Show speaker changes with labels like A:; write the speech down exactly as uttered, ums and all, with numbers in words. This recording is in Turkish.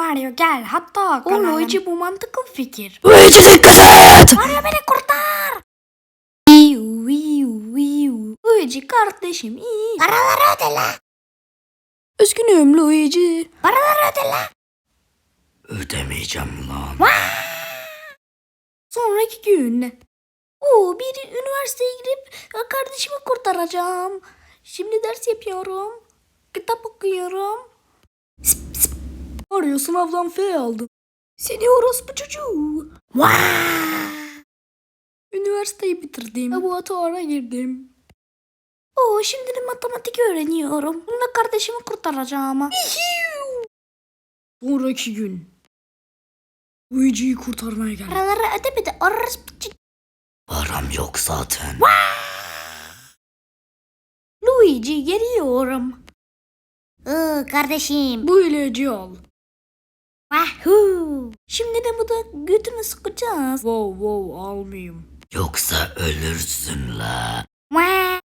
A: Mario gel hatta. O Luigi bu mantıklı fikir.
B: Luigi dikkat et.
A: Mario beni kurtar. Wiu wiu wiu. Luigi kardeşim iyi.
C: Paraları öde la.
A: Üzgünüm Luigi.
C: Paraları öde la.
B: Ödemeyeceğim lan.
A: Sonraki gün. Oo, bir üniversiteye girip kardeşimi kurtaracağım. Şimdi ders yapıyorum. Kitap okuyorum. Sip, sip. Mario sınavdan F aldı. Seni orospu çocuğu. Üniversiteyi bitirdim. Laboratuvara girdim. Oo, şimdi de matematik öğreniyorum. Bununla kardeşimi kurtaracağım. Sonraki gün. Luigi'yi kurtarmaya geldim.
C: Paraları ödemedi. Orospu çocuğu.
B: Param yok zaten.
A: Luigi geliyorum.
C: Iı kardeşim.
A: Bu ilacı al.
C: Wahoo.
A: Şimdi de bu da götünü sıkacağız. Wow wow almayayım.
B: Yoksa ölürsün la.